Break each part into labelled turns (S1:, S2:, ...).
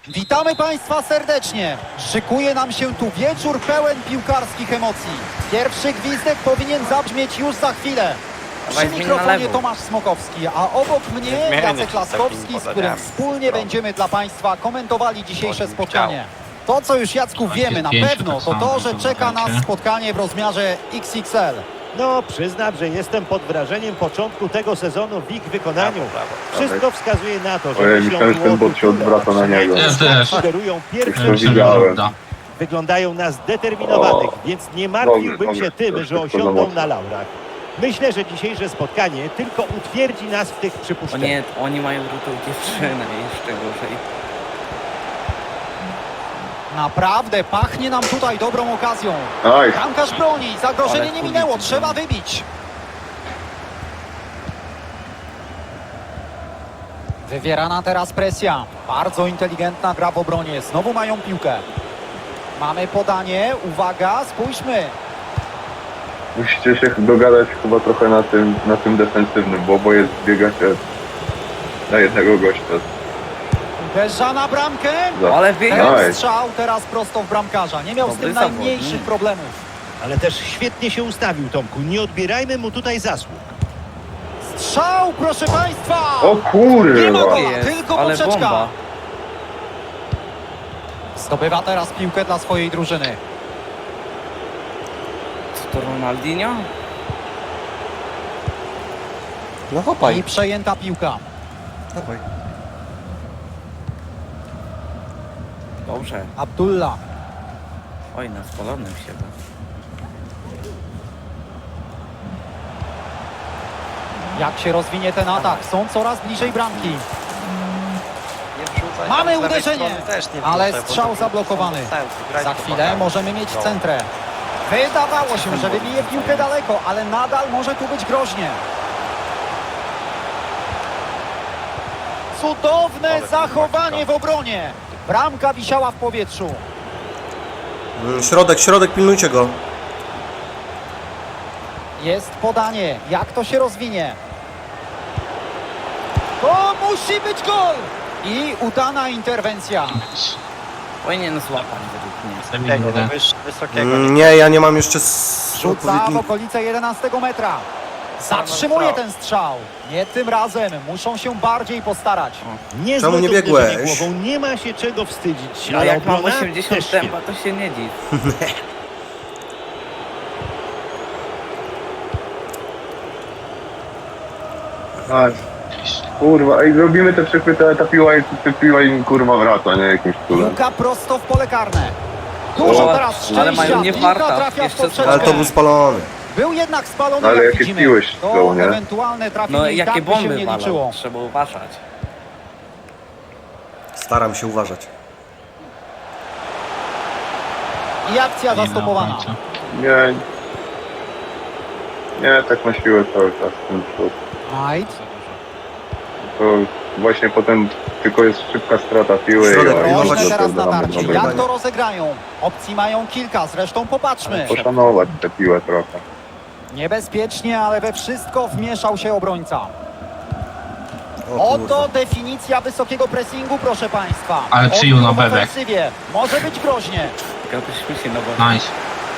S1: Witamy Państwa serdecznie. Szykuje nam się tu wieczór pełen piłkarskich emocji. Pierwszy gwizdek powinien zabrzmieć już za chwilę. Przy mikrofonie Tomasz Smokowski, a obok mnie Jacek Laskowski, z którym wspólnie będziemy dla Państwa komentowali dzisiejsze spotkanie. To, co już, Jacku, wiemy na pewno, to to, że czeka nas spotkanie w rozmiarze XXL.
S2: No, przyznam, że jestem pod wrażeniem początku tego sezonu w ich wykonaniu. Wszystko wskazuje na to, że
S3: myślałem, że ten bot się odwraca na niego.
S2: sugerują pierwsze
S3: To widziałem.
S2: Wyglądają na zdeterminowanych, więc nie martwiłbym się tym, że osiądą na laurach. Myślę, że dzisiejsze spotkanie tylko utwierdzi nas w tych
S4: O
S2: przypuszczeniach.
S4: nie, oni mają drutą dziewczynę, jeszcze gorzej.
S1: Naprawdę pachnie nam tutaj dobrą okazją.
S3: Aj,
S1: Bramkarz broni, zagrożenie
S4: Ale
S1: nie minęło,
S4: kubicy
S1: trzeba
S4: broni.
S1: wybić. Wywierana teraz presja. Bardzo inteligentna gra w obronie. Znowu mają piłkę. Mamy podanie. Uwaga, spójrzmy.
S3: musicie się dogadać chyba trochę na tym defensywnym, bo oboje zbiegacie na jednego gościa.
S1: Uderza na bramkę.
S4: Ale wie,
S1: Ten
S3: Aj.
S1: strzał teraz prosto w bramkarza. Nie miał z
S4: Dobry
S1: tym
S4: zawodnik.
S1: najmniejszych problemów.
S2: Ale też świetnie się ustawił, Tomku. Nie odbierajmy mu tutaj zasług.
S1: Strzał, proszę Państwa!
S3: O
S1: Nie ma
S3: kurwa!
S1: gola,
S4: jest,
S1: tylko
S4: ale
S1: poprzeczka.
S4: bomba.
S1: Zdobywa teraz piłkę dla swojej drużyny.
S4: Co to Ronaldinho?
S5: No chopaj.
S1: I przejęta piłka.
S5: Dawaj.
S4: Dobrze.
S1: Abdullah.
S4: Oj, na spalonym się.
S1: Jak się rozwinie ten atak? Są coraz bliżej bramki. Mamy uderzenie, ale strzał zablokowany. Za chwilę możemy mieć centrę. Wydawało się, że wybije piłkę daleko, ale nadal może tu być groźnie. Cudowne zachowanie w obronie. Bramka wisiała w powietrzu.
S5: Środek, pilnujcie go.
S1: Jest podanie. Jak to się rozwinie? To musi być gol! I udana interwencja.
S4: Powinien złapać według mnie.
S5: Nie, ja nie mam jeszcze
S1: Rzuca w
S5: odpowiedniej...
S1: okolice 11 metra. Zatrzymuje ten strzał. Nie tym razem. Muszą się bardziej postarać.
S2: Niezłe
S5: Czemu nie
S2: to uderzenie
S5: biegłeś?
S2: głową. Nie ma się czego wstydzić.
S4: No
S2: ale
S4: jak mam
S2: obrona
S4: 80
S2: też świetna.
S4: tempa, to się nie dziw.
S3: Aj, kurwa, ej, robimy te przechwyty, ale ta piła im kurwa wraca, nie? Jakimś cudem.
S1: Piłka prosto w pole karne. Dużo
S3: O,
S1: teraz
S4: ale mają
S1: szczęścia.
S4: nie
S1: Piłka
S4: farta.
S1: trafia w
S4: Jeszcze
S1: poprzeczkę.
S5: Ale to był spalony.
S1: Był jednak spalony,
S3: Ale
S1: jak
S3: jakie
S1: widzimy.
S3: piłeś
S1: To
S3: go, nie?
S1: ewentualne trafienie
S4: No
S1: i
S4: jakie
S1: tak by się
S4: bomby
S1: nie
S4: walą,
S1: liczyło.
S4: trzeba uważać.
S5: Staram się uważać.
S1: I akcja zastopowana.
S3: Nie. Nie, tak na siłę cały czas ten przód.
S1: Knight.
S3: To właśnie potem tylko jest szybka strata piły
S5: Środek,
S3: i
S5: pilnować
S1: Groźne
S5: się
S1: teraz
S3: dopiero
S1: natarcie.
S3: mamy
S1: Jak
S3: dobre.
S1: to rozegrają? Opcji mają kilka, zresztą popatrzmy.
S3: Poszanować tę piłę trochę.
S1: Niebezpiecznie, ale we wszystko wmieszał się obrońca.
S5: O
S1: Oto
S5: kurwa.
S1: definicja wysokiego pressingu, proszę Państwa.
S6: Ale przyjął na
S1: Odbiór w
S6: bebek.
S1: ofensywie. Może być groźnie.
S4: Tylko byśmy się na boku.
S6: Nice.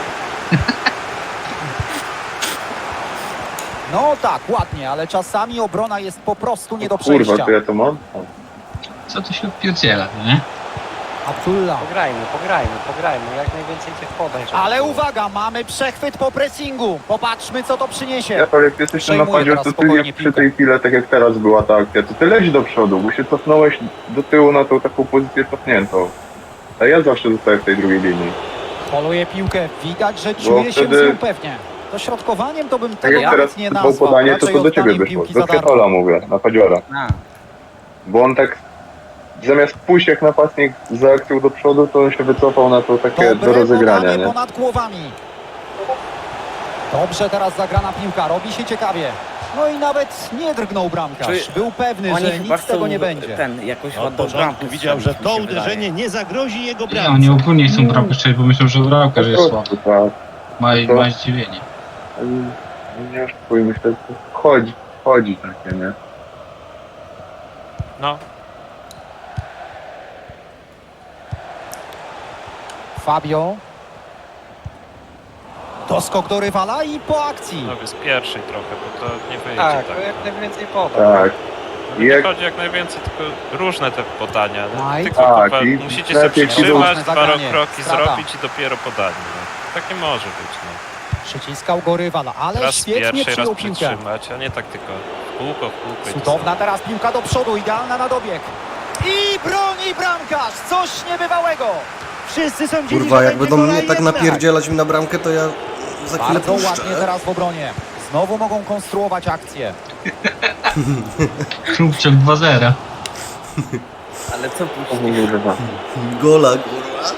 S1: No tak, ładnie, ale czasami obrona jest po prostu nie do
S3: Kurwa,
S1: przejścia.
S3: to ja to mam? O.
S6: Co tu się odpierdziela, nie?
S1: Abdullah.
S7: Pograjmy, jak najwięcej tych podań. żeby
S1: Ale
S7: było.
S1: uwaga, mamy przechwyt po pressingu. Popatrzmy, co to przyniesie.
S3: Ja to jak jesteś na
S1: Przejmuję
S3: napadzie,
S1: teraz
S3: to ty
S1: spokojnie
S3: jak przy
S1: piłkę.
S3: tej chwili, tak jak teraz była ta akcja, to ty leć do przodu, bo się cofnąłeś do tyłu na tą taką pozycję cofniętą. A ja zawsze zostaję w tej drugiej linii.
S1: Poluje piłkę, widać, że czuje się
S3: wtedy-
S1: z nią pewnie. Dośrodkowaniem to bym
S3: Tak
S1: tego
S3: jak teraz
S1: nawet nie
S3: było
S1: nazwał.
S3: podanie, to
S1: Raczej
S3: do ciebie
S1: oddaniem
S3: wyszło.
S1: piłki za
S3: Do
S1: darmo.
S3: Kwiatola mówię, napadziora.
S4: A,
S3: Bo on tak zamiast pójść jak napastnik za akcją do przodu, to on się wycofał na to takie do
S1: Dobre
S3: rozegrania,
S1: podanie
S3: nie?
S1: ponad głowami. Dobrze teraz zagrana piłka, robi się ciekawie. No i nawet nie drgnął bramkarz.
S4: Czy
S1: Był pewny,
S4: oni
S1: że
S4: chyba
S1: nic z tego
S4: chcą
S1: nie będzie.
S4: ten jakoś
S2: Od
S4: ładną
S2: początku
S4: bramkę
S2: widział, że
S4: strzelić,
S2: to
S4: mi się
S2: uderzenie
S4: wydaje.
S2: nie zagrozi jego
S6: Nie,
S2: bramce.
S6: oni ogólnie chcą bramkę strzelić, bo myślą, że bramkarz jest słaby.
S3: Tak.
S6: Ma zdziwienie.
S3: Nie oszukuj, myślę, że chodzi takie, nie?
S7: No,
S1: Fabio. Doskok do rywala i po akcji.
S8: No z pierwszej trochę, bo to nie wyjdzie
S7: Tak,
S8: tak.
S7: to jak najwięcej podań.
S3: Tak.
S8: Nie
S3: Jak-
S8: chodzi jak najwięcej, tylko różne te podania. No.
S1: Aj.
S8: Tylko
S3: Tak,
S8: kurwa,
S3: i
S8: musicie się
S3: lepiej
S8: przytrzymać,
S1: ci
S8: parę
S1: zagranie.
S8: kroki
S1: Strata.
S8: zrobić i dopiero podanie. No. Tak nie może być. No.
S1: Przyciskał go rywala, ale
S8: Raz
S1: świetnie
S8: pierwszy, raz
S1: przyjął piłkę.
S8: przytrzymać, a nie tak tylko w kółko i to
S1: Cudowna
S8: samo.
S1: teraz piłka do przodu, idealna na dobieg. I broni bramkarz, coś niebywałego.
S2: Wszyscy sądzili,
S5: Kurwa,
S2: że
S5: jak
S2: będzie
S5: będą mnie
S2: gola
S5: tak
S2: jednak.
S5: napierdzielać mi na bramkę, to ja za chwilę
S1: Bardzo ładnie
S5: puszczę.
S1: teraz w obronie. Znowu mogą konstruować akcję.
S6: Szubczek 2-0.
S4: Ale co puści?
S3: Kurwa.
S5: Gola, kurwa.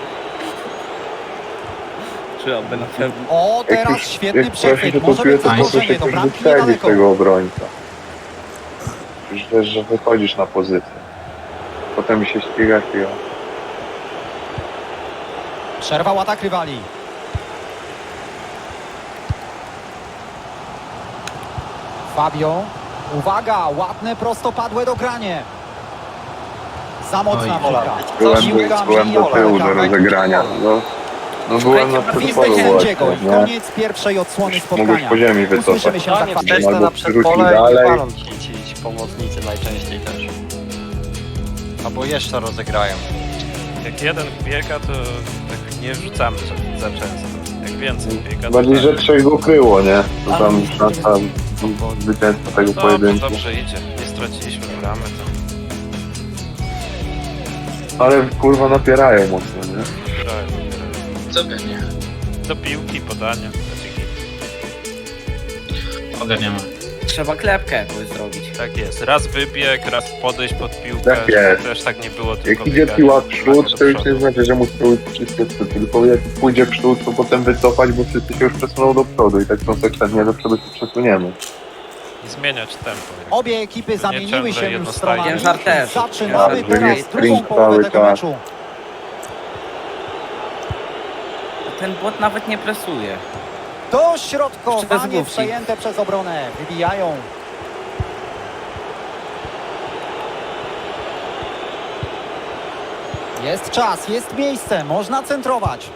S4: Czy oby na pewno?
S1: O, teraz
S3: Jak
S1: świetny
S3: prosi się
S1: przechwyt.
S3: to
S1: Może być
S3: piłkę, to proszę
S1: zagrożenie,
S3: się
S1: do
S3: też
S1: bramki
S3: wyprzedzić
S1: niedaleko.
S3: tego obrońca. Już wiesz, że wychodzisz na pozycję. Potem się ścigasz i o.
S1: Przerwał atak rywali. Fabio. Uwaga, ładne prostopadłe dogranie. Za mocna
S6: Oj,
S1: piłka.
S3: Byłem do tyłu do rozegrania. No byłem na
S1: Gwizdek
S3: przedpolu
S1: sędziego
S3: właśnie,
S1: i
S3: nie?
S1: koniec pierwszej odsłony
S3: Mogłeś
S1: spotkania.
S3: po ziemi wycofać.
S1: Usłyszymy się za
S7: No nie,
S1: chwilę.
S7: wstecz to
S3: Albo
S7: na
S3: przerzucić
S7: przedpole
S3: dalej.
S7: i palą ci pomocnicy najczęściej też. Albo jeszcze rozegrają.
S8: Jak jeden biega, to tak nie wrzucamy za często. Jak więcej biega, to
S3: Bardziej,
S8: tak.
S3: że trzech go kryło, nie? To tam szansa zwycięstwa tego
S8: No,
S3: pojedynku.
S8: dobrze idzie. Nie straciliśmy bramy. To
S3: Ale kurwa napierają mocno, nie?
S8: dopierają.
S6: Co pewnie.
S8: Do piłki, podania.
S6: Ogarniamy.
S4: Trzeba klepkę jakąś zrobić.
S8: Tak jest. Raz wybieg, raz podejść pod piłkę.
S3: Tak jest.
S8: Też tak nie było, tylko
S3: Jak idzie
S8: bieganie
S3: piła w
S8: nagle
S3: przód,
S8: do
S3: to już nie
S8: przodu.
S3: znaczy, że musi robić wszystko, tylko jak pójdzie w przód, to potem wycofać, bo wszyscy się już przesuną do przodu i tak konsekwentnie do przodu się przesuniemy.
S8: I zmieniać tempo.
S1: Obie ekipy
S8: Nie
S1: zamieniły
S8: ciągle
S1: się już
S8: jednostajnie.
S1: stronami.
S4: Ciężar też.
S1: Zaczynamy
S3: Tak,
S1: teraz
S3: jest
S1: drugą
S3: sprint
S1: połowę
S3: cały
S1: tego
S3: czas.
S1: meczu.
S4: Ten błot nawet nie presuje.
S1: Dośrodkowanie
S4: Przezgłówki.
S1: przejęte przez obronę. Wybijają. Jest czas, jest miejsce, można centrować.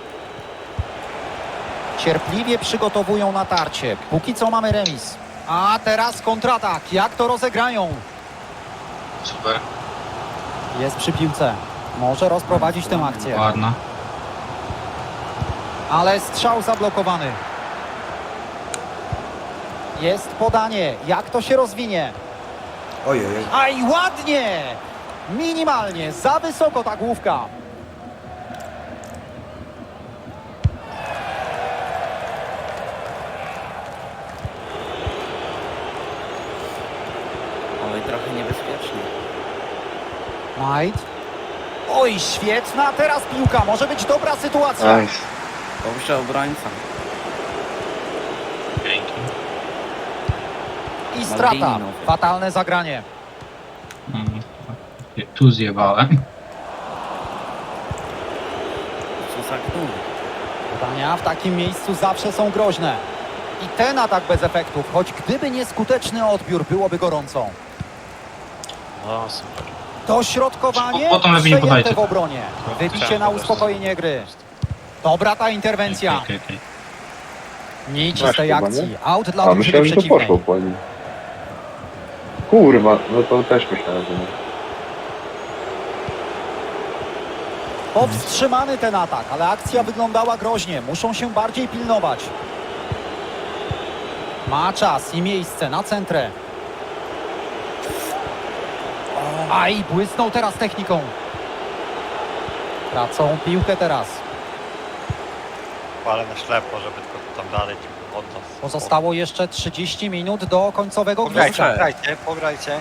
S1: Cierpliwie przygotowują natarcie. Póki co mamy remis. A teraz kontratak. Jak to rozegrają?
S6: Super.
S1: Jest przy piłce. Może rozprowadzić tę akcję.
S6: Ładna.
S1: Ale strzał zablokowany. Jest podanie. Jak to się rozwinie?
S5: Ojej.
S1: Aj, ładnie! Minimalnie, za wysoko ta główka.
S4: Oj, trochę niebezpiecznie.
S1: Knight. Oj, świetna teraz piłka. Może być dobra sytuacja.
S3: Nice.
S4: Dobrze obrońca.
S6: Dzięki.
S1: I strata.
S4: Maldini.
S1: Fatalne zagranie.
S6: Tu zjebałem.
S4: Co za gnój.
S1: Podania w takim miejscu zawsze są groźne. I ten atak bez efektów, choć gdyby nieskuteczny odbiór, byłoby gorąco.
S8: No super.
S1: Dośrodkowanie
S6: Potem lepiej nie
S1: przejęte
S6: podajcie.
S1: w obronie. Wybicie na uspokojenie gry. Dobra ta interwencja.
S6: Okej.
S1: Nic
S3: Masz
S1: z tej
S3: chyba,
S1: akcji.
S3: nie?
S1: Out dla
S3: A
S1: drużyny
S3: myślałem, że to
S1: przeciwnej.
S3: poszło po nim. Kurwa, no to też myślałem, że nie.
S1: Powstrzymany ten atak, ale akcja wyglądała groźnie. Muszą się bardziej pilnować. Ma czas i miejsce na centrę. Aj, błysnął teraz techniką. Tracą piłkę teraz.
S7: Ale na ślepo, żeby tylko tam dalej tylko od nas.
S1: Pozostało jeszcze 30 minut do końcowego
S7: Pograjcie,
S1: gwizdka.
S7: pograjcie, pograjcie.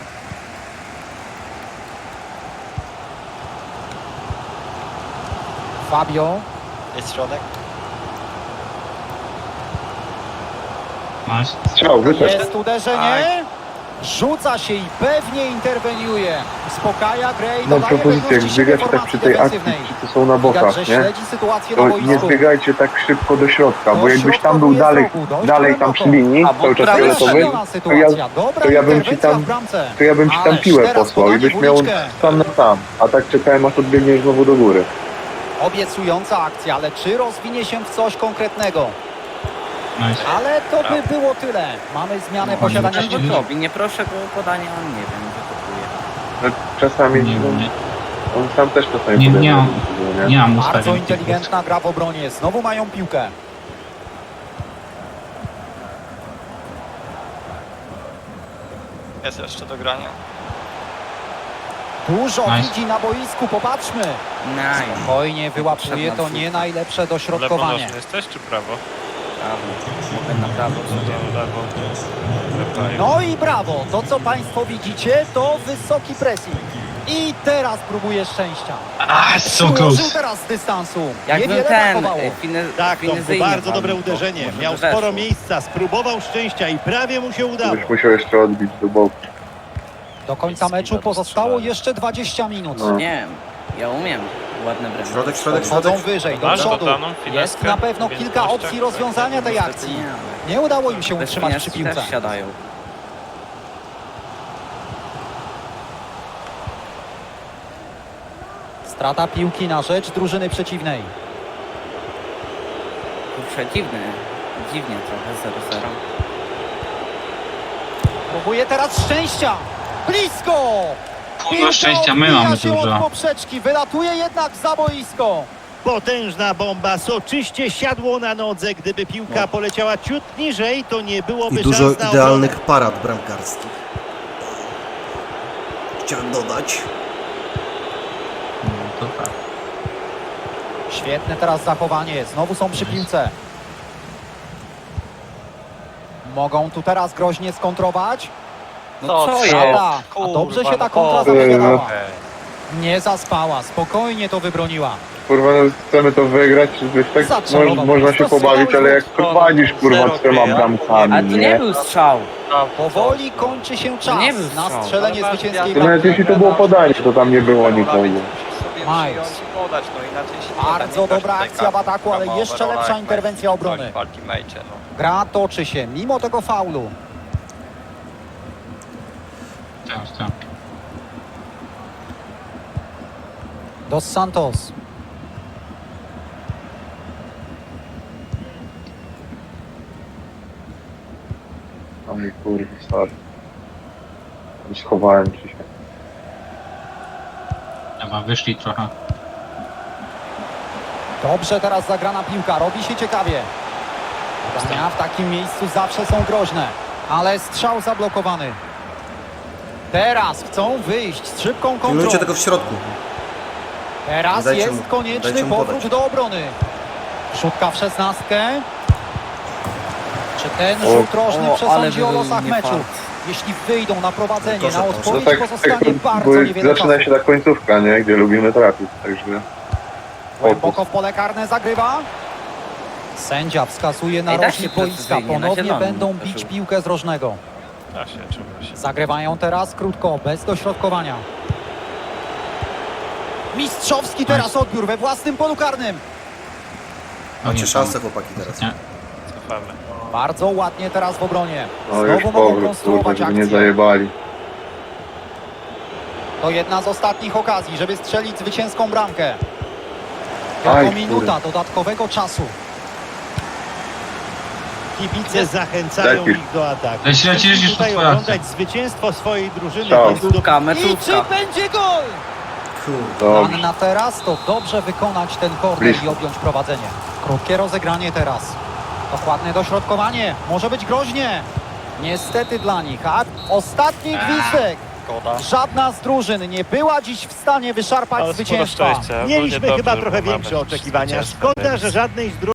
S1: Fabio.
S7: Jest środek.
S6: Nice.
S3: Strzał, wyszedł.
S1: Jest uderzenie. Rzuca się i pewnie interweniuje. Uspokaja grę i
S3: Mam
S1: dodaje
S3: propozycję, jak
S1: pewności siebie
S3: biegacie tak
S1: formacji
S3: przy tej akcji,
S1: defensywnej.
S3: wszyscy są na
S1: Widać,
S3: bokach,
S1: że
S3: nie?
S1: śledzi sytuację na
S3: To nie
S1: boisku.
S3: zbiegajcie tak szybko do środka, bo jakbyś tam był
S1: Dośrodkowuje
S3: dalej,
S1: z rogu, dość
S3: dalej tam przy
S1: głęboko.
S3: linii, cały czas
S4: prawie
S3: fioletowy,
S1: Trafiona sytuacja. Dobra
S3: to ja bym ci
S1: interwencja
S3: tam-
S1: w bramce.
S3: to ja bym ci tam
S1: Ależ
S3: piłę
S1: teraz
S3: posłał i
S1: podanie
S3: byś
S1: w
S3: miał
S1: uliczkę.
S3: sam na sam, a tak czekałem aż odbiegniesz znowu do góry.
S1: Obiecująca akcja, ale czy rozwinie się w coś konkretnego?
S6: Nice.
S1: Ale to by było tyle. Mamy zmianę
S6: No,
S1: posiadania
S6: nie
S1: piłki.
S4: Robi, nie proszę go o podanie, on nie wiem, wytopuje.
S3: No, czasami
S6: Nie, nie,
S3: on sam też czasami
S6: Nie,
S3: podejmuje
S6: nie mam.
S3: decyzję,
S6: nie mam
S1: Bardzo
S6: ustawień.
S1: inteligentna gra w obronie. Znowu mają piłkę.
S7: Jest jeszcze do grania.
S1: Dużo
S6: Nice.
S1: widzi na boisku, popatrzmy.
S4: Nice.
S1: Spokojnie wyłapuje to
S4: Potrzebna
S1: nie najlepsze
S8: Lewo
S1: dośrodkowanie.
S8: nożny jesteś, czy prawo?
S4: Prawo. Mogę na prawo sobie.
S8: Lewo.
S1: No i brawo, to co Państwo widzicie to wysoki pressing. I teraz próbuje szczęścia.
S6: So
S1: Ułożył
S6: close.
S1: teraz z dystansu.
S4: Jakby
S1: Niewiele
S4: ten
S1: brakowało.
S2: Tak, to
S4: finezyjnie
S2: bardzo dobre
S4: walnął, to
S2: uderzenie.
S4: może
S2: Miał
S4: by weszło.
S2: sporo miejsca, spróbował szczęścia i prawie mu się udało.
S3: Byś musiał jeszcze odbić do boku.
S1: Do końca meczu pozostało jeszcze 20 minut.
S3: No.
S4: Nie, ja umiem. Ładne bremy.
S5: Środek, środek,
S1: Chodzą
S5: środek.
S1: wyżej, do
S8: Masz
S1: przodu.
S8: dodaną
S1: Jest
S8: fineskę
S1: na pewno
S8: w
S1: kilka
S8: umiejętnościach,
S1: opcji
S8: tak?
S1: rozwiązania tej
S4: Niestety
S1: akcji.
S4: nie, ale
S1: Nie udało im się
S4: bez
S1: utrzymać przy
S4: fineski
S1: piłce.
S4: też siadają.
S1: Strata piłki na rzecz drużyny przeciwnej.
S4: Kurczę, dziwnie trochę 0-0.
S1: Próbuje teraz szczęścia. Blisko!
S6: Kurwa szczęścia, my
S1: odbija
S6: mamy
S1: się od
S6: dużo.
S1: poprzeczki, wylatuje jednak za boisko.
S2: Potężna bomba, soczyście siadło na nodze. Gdyby piłka poleciała ciut niżej, to nie byłoby
S5: I dużo
S2: szans na
S5: idealnych parad bramkarskich. Chciałem dodać.
S6: No to tak.
S1: Świetne teraz zachowanie, znowu są przy piłce. Mogą tu teraz groźnie skontrować.
S4: No co jest?
S1: Szada, a dobrze się ta kontra
S3: no.
S1: zapowiadała. Nie zaspała, spokojnie to wybroniła.
S3: Kurwa, no, chcemy to wygrać, czy tak
S1: Zacelował.
S3: można się pobawić, ale jak prowadzisz kurwa 3 bramkami,
S4: Ale to nie
S3: nie?
S4: był strzał.
S1: Powoli kończy się czas
S4: nie był
S1: na
S4: strzał.
S1: strzelenie zwycięskiej
S3: To nawet
S1: bramki.
S3: jeśli to było podanie, to tam nie było nikogo.
S1: Miles. Bardzo dobra akcja w ataku, ale jeszcze lepsza interwencja obrony. Gra toczy się mimo tego faulu.
S6: Tak.
S1: Dos Santos.
S3: Oj kurwa, sorry. Schowałem ci się.
S6: Chyba wyszli trochę.
S1: Dobrze teraz zagrana piłka, robi się ciekawie. Podania w takim miejscu zawsze są groźne, ale strzał zablokowany. Teraz chcą wyjść z szybką kontrą.
S5: Pilnujcie tego w środku.
S1: Teraz
S5: Dajcie
S1: jest
S5: mu-
S1: konieczny
S5: dajcie mu
S1: powrót
S5: podać.
S1: do obrony. Szutka w 16. Czy ten
S3: O,
S1: rzut rożny
S4: ale
S1: przesądzi o
S4: był
S1: losach meczu?
S4: niefart.
S1: Jeśli wyjdą na prowadzenie,
S5: Proszę,
S1: na
S5: proszę.
S3: No
S1: odpowiedź
S3: tak,
S1: pozostanie
S3: bo
S1: bardzo niewiele
S3: zaczyna
S1: czasu.
S3: się ta końcówka, nie? Gdzie lubimy trafić, także...
S1: Głęboko w pole karne zagrywa. Sędzia wskazuje na
S4: Ej, da
S1: rożnik
S4: się
S1: boiska.
S4: precyzyjnie, na
S1: Ponownie
S4: zielonym
S1: będą
S4: też
S1: bić
S4: był.
S1: piłkę z rożnego.
S8: Da się, czuwa się.
S1: Zagrywają teraz krótko, bez dośrodkowania. Mistrzowski teraz odbiór we własnym polu karnym.
S5: Macie szansę, chłopaki, teraz.
S6: Nie.
S8: Cofamy.
S1: Bardzo ładnie teraz w obronie.
S3: No już
S1: Znowu mogą
S3: powrót, kurwa,
S1: konstruować
S3: żeby nie
S1: akcję.
S3: zajebali.
S1: To jedna z ostatnich okazji, żeby strzelić zwycięską bramkę.
S3: Aj,
S1: Tylko minuta
S3: kurde.
S1: dodatkowego czasu.
S2: Kibice zachęcają
S3: Lepiej.
S2: ich do ataku.
S6: Leci,
S2: Chcą
S6: już
S2: tutaj
S6: to twoja
S2: oglądać zwycięstwo swojej drużyny.
S3: Strzał.
S2: Więc do...
S4: Meczówka,
S1: I czy
S4: meczówka.
S1: będzie gol?
S5: Kurde.
S1: Plan
S3: Dobrze.
S1: na teraz to dobrze wykonać ten korner
S3: Blisko.
S1: i objąć prowadzenie. Krótkie rozegranie teraz. Dokładne dośrodkowanie. Może być groźnie. Niestety dla nich. A ostatni gwizdek. Żadna z drużyn nie była dziś w stanie wyszarpać
S8: Ale sporo
S1: zwycięstwa.
S8: szczęścia. Ogólnie
S2: Mieliśmy
S8: dobrze,
S2: chyba
S8: bo
S2: trochę
S8: mamy
S2: większe oczekiwania.
S8: zwycięstwo,
S2: Szkoda,
S8: więc-
S2: że żadnej z drużyn